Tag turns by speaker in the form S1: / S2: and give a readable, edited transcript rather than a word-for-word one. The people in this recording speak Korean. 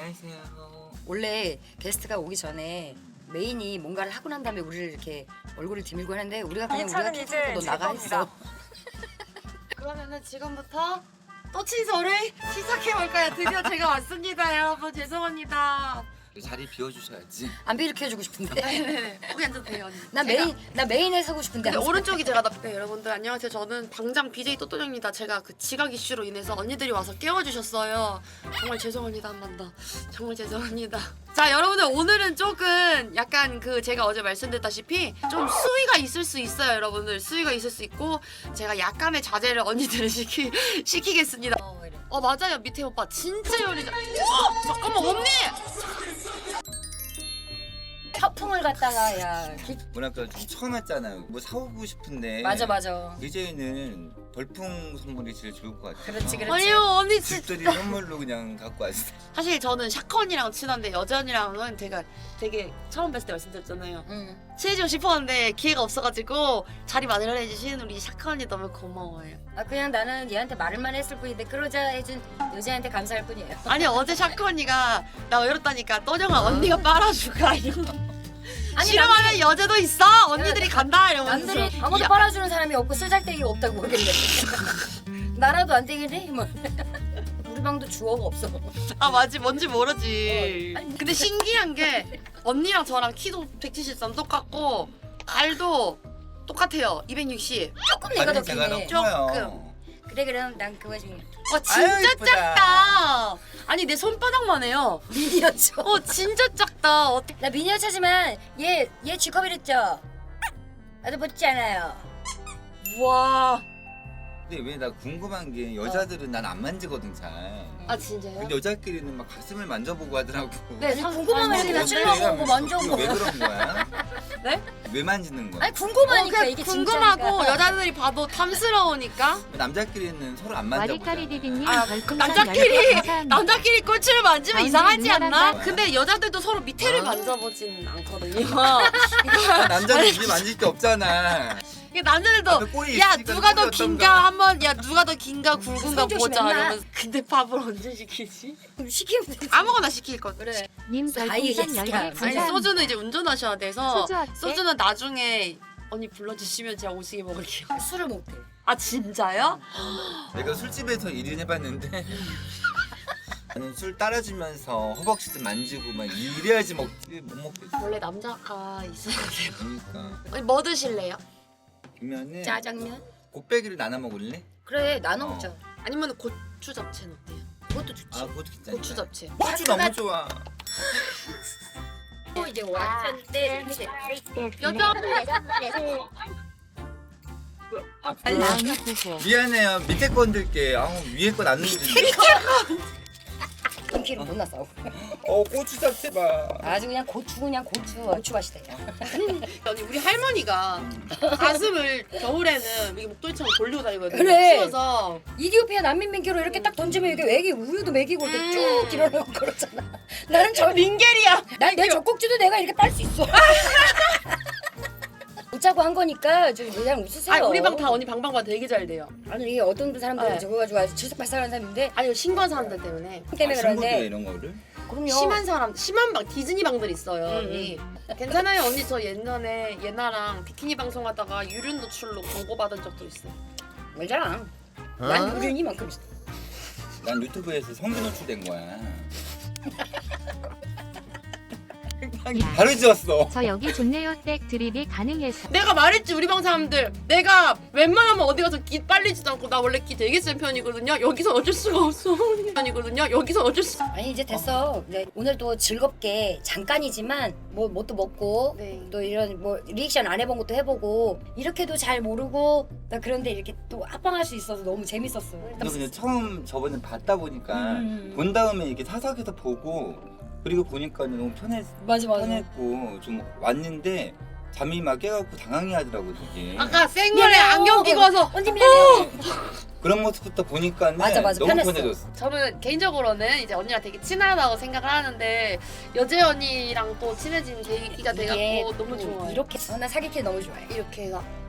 S1: 안녕하세요.
S2: 원래 게스트가 오기 전에 메인이 뭔가를 하고 난 다음에 우리를 이렇게 얼굴을 디밀고 하는데 우리가 그냥 우리가 키즈고 너 나가 했어.
S3: 그러면은 지금부터 떠친서를 시작해볼까요? 드디어 제가 왔습니다, 여러분. 죄송합니다.
S1: 자리 비워주셔야지.
S2: 안 비일으켜주고 싶은데.
S3: 네네네. 거기 앉아도 돼요, 언니.
S2: 나 메인에 서고 싶은데.
S3: 근데 오른쪽이 제가 네, 여러분들 안녕하세요. 저는 방장 BJ 또또정입니다. 제가 그 지각 이슈로 인해서 언니들이 와서 깨워주셨어요. 정말 죄송합니다, 한 번 더. 정말 죄송합니다. 자, 여러분들 오늘은 조금 약간 그 제가 어제 말씀드렸다시피 좀 수위가 있을 수 있어요, 여러분들. 수위가 있을 수 있고 제가 약간의 자제를 언니들을 시키겠습니다. 맞아요, 밑에 오빠 진짜 요리자. 잠깐만 언니.
S2: 태풍을 갖다가 야.
S1: 뭐랄까 좀 처음 왔잖아요. 뭐 사오고 싶은데.
S2: 맞아.
S1: 이제는 벌풍 선물이 제일 좋을 것 같아요.
S2: 그렇지.
S3: 아니요, 언니 진짜.
S1: 집들이 선물로 그냥 갖고 왔어요.
S3: 사실 저는 샤크 언니랑 친한데 여자 언니랑은 제가 되게 처음 뵀을 때 말씀드렸잖아요. 친해지고 싶었는데 기회가 없어가지고 자리 마련해 주신 우리 샤크 언니 너무 고마워요.
S2: 그냥 나는 얘한테 말만 했을 뿐인데 그러자 해준 여자한테 감사할 뿐이에요.
S3: 아니 어제 샤크 언니가 나 외롭다니까 떠정아 언니가 빨아줄까 이러고
S2: 아니,
S3: 싫어하는 여자도 있어 언니들이 간다 이러면서
S2: 남들이 아무도 빨아주는 사람이 없고 쓸잘데기가 없다고 그러길래 나라도 안 되겠네? 뭐. 우리 방도 주어가 없어.
S3: 아 맞지 뭔지 모르지.
S2: 아니,
S3: 근데 신기한 게 언니랑 저랑 키도 173 똑같고 발도 똑같아요. 260.
S2: 조금 내가 더
S1: 제가
S2: 크네.
S1: 더 커요.
S2: 그래 그럼 난 그거 중에
S3: 와 진짜
S1: 아유, 이쁘다.
S3: 작다. 아니 내 손바닥만 해요.
S2: 미니어처.
S3: 진짜 작다. 어떻게?
S2: 나 미니어처지만 얘 G컵이랬죠? 나도 못지 않아요.
S3: 와.
S1: 근데 왜 나 궁금한 게 여자들은 난 안 만지거든 잘.
S3: 아 진짜요?
S1: 근데 여자끼리는 막 가슴을 만져보고 하더라고.
S3: 네,
S2: 아니, 궁금하면 이렇게 나 찔러보고 만져보고.
S1: 왜 그런 거야?
S3: 네?
S1: 왜 만지는 거야?
S2: 아니 궁금하니까 이게
S3: 궁금하고
S2: 진짜니까.
S3: 여자들이 봐도 탐스러우니까.
S1: 남자끼리는 서로 안 만져보잖아.
S4: 와리까리디디님
S3: 아,
S4: 별풍선
S3: 남자끼리
S4: 10개 감사합니다.
S3: 남자끼리 꼴찌를 만지면
S4: 언니
S3: 이상하지 않나?
S1: 미안하다.
S3: 근데 여자들도 서로 밑에를
S1: 아.
S3: 만져보진 않거든요.
S1: 남자는 입이 만질 게 없잖아.
S3: 이게 남자들도
S1: 앞에 꼬리
S3: 야
S1: 있으니까
S3: 누가 더
S1: 꼬리
S3: 긴가
S1: 어떤가.
S3: 한번 야 누가 더 긴가 굵은가
S2: 손 조심해,
S3: 보자
S2: 임마.
S3: 이러면서 근데 밥을 언제 시키지?
S2: 시키면 되지.
S3: 아무거나 시킬 거.
S2: 그래.
S4: 님
S2: 아이,
S4: 별풍선
S2: 야,
S4: 10개
S2: 아니,
S3: 아니
S4: 감사합니다.
S3: 소주는 이제 운전하셔야 돼서
S4: 소주 어때?
S3: 소주는 나중에 언니 불러주시면 제가 오시게 먹을게요.
S2: 술을 못해.
S3: 아 진짜요?
S1: 내가 술집에서 일을 해봤는데 나는 술 따라주면서 허벅지 좀 만지고 막 이래야지 먹지 못 먹겠어.
S3: 원래 남자가 있어야 돼요.
S1: 그러니까
S3: 언니 뭐 드실래요?
S1: 그러면은
S2: 짜장면?
S1: 곱빼기를 나눠 먹을래?
S2: 그래 나눠 먹자.
S3: 아니면 고추 잡채는 어때요?
S2: 그것도 좋지.
S1: 아 그것도 괜찮아.
S3: 고추 잡채.
S1: 고추 너무 좋아.
S2: 또 이제 왔는데
S3: 여자
S4: 마음이 고고.
S1: 미안해요. 밑에 거 흔들게. 아우 위에 거 놨는데.
S2: 인기를 못 났어.
S1: 고추 잡채 봐.
S2: 아주 그냥 고추 맛이다.
S3: 아니 우리 할머니가 가슴을 겨울에는 이게 목도리처럼 돌리고 다니거든요.
S2: 그래.
S3: 추워서
S2: 이디오피아 난민민교로 이렇게 딱 던지면 이게 애기 우유도 먹이고 이렇게 쭉 길어내고 그렇잖아. 나는 저
S3: 민겔이야.
S2: 내 젖꼭지도 내가 이렇게 빨 수 있어. 웃자고 한 거니까 좀 그냥 웃으세요.
S3: 아 우리 방 다 언니 방방과 되게 잘 돼요.
S2: 아니 이게 어떤 사람들은
S3: 네.
S2: 저거 가지고 아주 질색발색하는 사람인데
S3: 아니 신고한 사람들 때문에
S2: 때문에
S1: 친구들
S2: 그런데
S1: 이런 거를.
S2: 그럼요.
S3: 심한 방 디즈니 방들 있어요. 언니. 괜찮아요 언니 저 옛날에 예나랑 비키니 방송하다가 유륜 노출로 광고 받은 적도 있어요.
S2: 알잖아. 난 유륜이만큼 있어.
S1: 난 유튜브에서 성기 노출된 거야. 바로 지웠어.
S4: 저 여기 좋네요. 댁 드립이 가능해서.
S3: 내가 말했지 우리 방 사람들 내가 웬만하면 어디 가서 기 빨리지도 않고 나 원래 기 되게 센 편이거든요. 여기서 어쩔 수가 없어. 편이거든요. 여기서 어쩔 수.
S2: 아니 이제 됐어. 네, 오늘도 즐겁게 잠깐이지만 뭐 또 먹고
S3: 네.
S2: 또 이런 뭐 리액션 안 해본 것도 해보고 이렇게도 잘 모르고 나 그런데 이렇게 또 합방할 수 있어서 너무 재밌었어.
S1: 너 그냥 처음 저번에 봤다 보니까
S2: 음.
S1: 본 다음에 이렇게 사석에서 보고 그리고 보니까 너무
S2: 맞아.
S1: 편했고 좀 왔는데 잠이 막 깨갖고 당황해 하더라고 되게.
S3: 아까 생얼에
S2: 미안해요.
S3: 안경 끼고 와서
S2: 언니 미안해요.
S1: 그런 모습부터 보니까는
S2: 맞아,
S1: 너무
S2: 편했어.
S1: 편해졌어.
S3: 저는 개인적으로는 이제 언니랑 되게 친하다고 생각을 하는데 여재 언니랑 또 친해진 계기가
S2: 이게
S3: 돼갖고 너무
S2: 또
S3: 좋아요.
S2: 이렇게 나 사기캐 너무 좋아해.
S3: 이렇게 해서